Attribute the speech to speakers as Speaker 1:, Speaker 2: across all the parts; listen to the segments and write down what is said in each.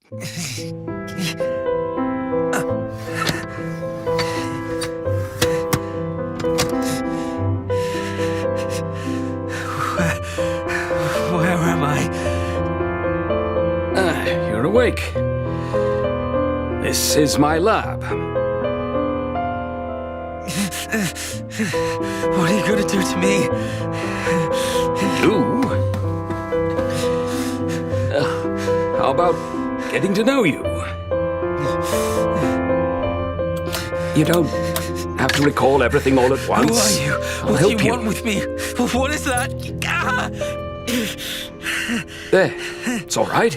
Speaker 1: Where am I?
Speaker 2: You're awake. This is my lab.
Speaker 1: What are you gonna do to me?
Speaker 2: You? How about getting to know you? You don't have to recall everything all at once.
Speaker 1: Who are you?
Speaker 2: I'll
Speaker 1: What
Speaker 2: help
Speaker 1: do you want with me? What is that? Ah!
Speaker 2: There, it's all right.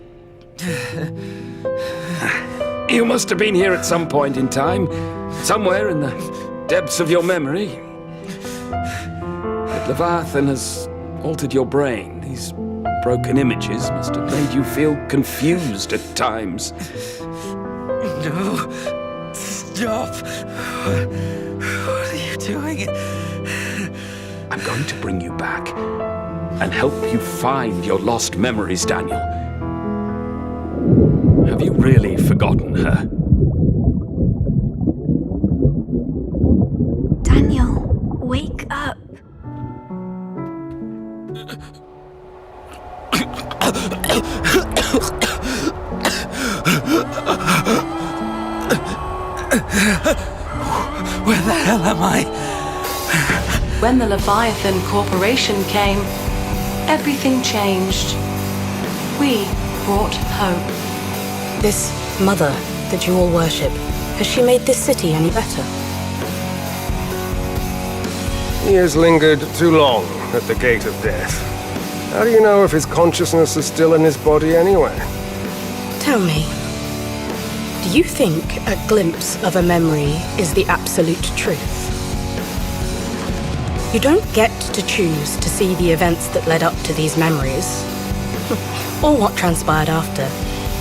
Speaker 2: You must have been here at some point in time, somewhere in the depths of your memory. But Leviathan has altered your brain. These broken images must have made you feel confused at times.
Speaker 1: No. Stop. What are you doing?
Speaker 2: I'm going to bring you back and help you find your lost memories, Daniel. Have you really forgotten her?
Speaker 3: Daniel, wake up.
Speaker 1: Where the hell am I?
Speaker 4: When the Leviathan Corporation came, everything changed. We brought hope.
Speaker 5: This mother that you all worship, has she made this city any better?
Speaker 6: He has lingered too long at the gate of death. How do you know if his consciousness is still in his body anyway?
Speaker 5: Tell me, do you think a glimpse of a memory is the absolute truth? You don't get to choose to see the events that led up to these memories, or what transpired after.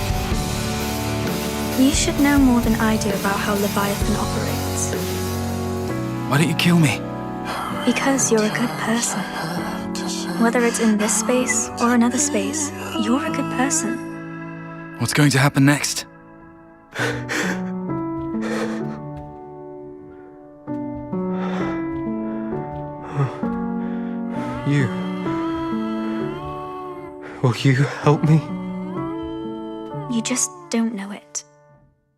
Speaker 3: You should know more than I do about how Leviathan operates.
Speaker 1: Why don't you kill me?
Speaker 3: Because you're a good person. Whether it's in this space or another space, you're a good person.
Speaker 1: What's going to happen next?
Speaker 6: Will you help me?
Speaker 3: You just don't know it.